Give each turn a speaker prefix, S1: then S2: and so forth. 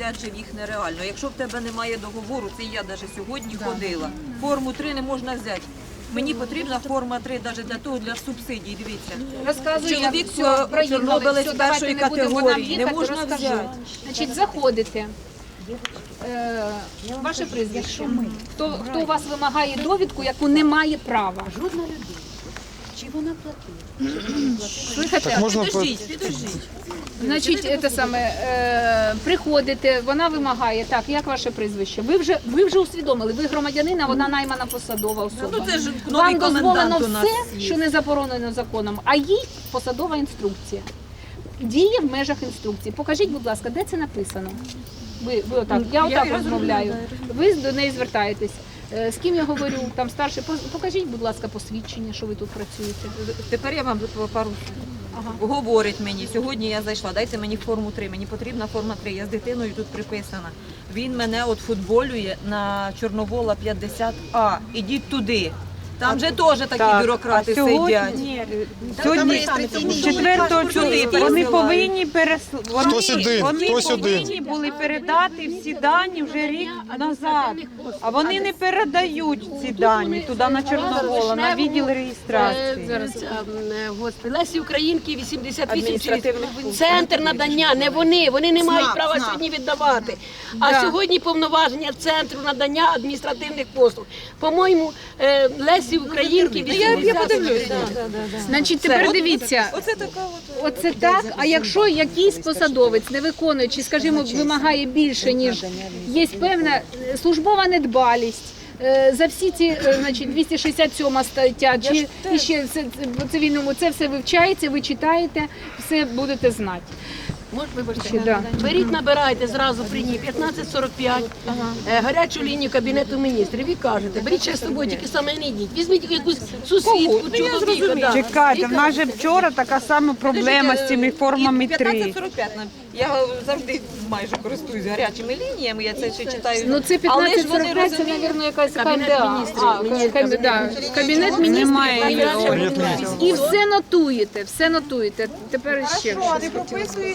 S1: прийняти же їх нереально. Якщо в тебе немає договору, це я навіть сьогодні ходила. Форму 3 не можна взяти. Мені потрібна форма 3 навіть для того, для субсидій, дивіться.
S2: Розказую,
S1: Чоловік
S2: все, проїхали,
S1: чорнобилець
S2: все, давайте
S1: першої
S2: не будемо нам
S1: категорії, не
S2: їхати,
S1: можна
S2: розкажу.
S1: взяти.
S2: Значить, заходите. Ваше прізвище. Хто у вас вимагає довідку, яку не має права?
S3: Жодна людина. Чи вона платила?
S2: Слухайте,
S1: Підождіть.
S2: значить, це саме, приходите, вона вимагає, так, як ваше прізвище? Ви вже усвідомили, ви громадянин, а вона наймана посадова особа.
S1: Ну це ж новий
S2: Вам дозволено
S1: комендант у нас
S2: все,
S1: є.
S2: що не заборонено законом, а їй посадова інструкція. Діє в межах інструкції. Покажіть, будь ласка, де це написано? Ви отак, я отак розмовляю. Ви до неї звертаєтесь. З ким я говорю, там старший, покажіть, будь ласка, посвідчення, що ви тут працюєте.
S1: Тепер я вам пару говорить мені, сьогодні я зайшла, дайте мені форму 3, мені потрібна форма 3, я з дитиною тут приписана. Він мене от футболює на Чорновола 50А, ідіть туди. Там же теж такі бюрократи сидять.
S4: Сьогодні 4 чоловіка вони повинні
S5: Хтось один, хтось один.
S4: повинні були передати всі дані вже рік назад. А вони не передають ці дані туди на Чорновола, на відділ реєстрації.
S3: Зараз, господи, Лесі Українки 88 центр надання, не вони не мають права сьогодні віддавати. А сьогодні повноваження центру надання адміністративних послуг. По-моєму, Лесі Українки 80.
S2: Значить, тепер дивіться, оце так, а якщо якийсь посадовець, не виконуючи, скажімо, вимагає більше, ніж є певна службова недбалість, за всі ці, значить, 267 стаття, чи ще по цивільному, це все вивчається, ви читаєте, все будете знати.
S3: Вибачте,
S2: Да.
S3: беріть, набирайте зразу при ній 1545, гарячу лінію Кабінету міністрів і кажете, беріть ще з собою, тільки саме не йдіть. Візьміть якусь сусідку, чоловіка. Да.
S4: Чекайте, в нас же вчора така сама проблема з цими формами 3.
S1: 1545, я завжди майже користуюсь гарячими лініями, я це ще читаю.
S2: Ну це
S1: Але ж вони
S2: 1545, це,
S1: розуміють,
S2: мабуть, якась
S3: Кабінет
S2: КМДА.
S3: міністрів.
S2: Кабінет міністрів.
S4: Немає його.
S2: І все нотуєте, все нотуєте. Тепер ще щось.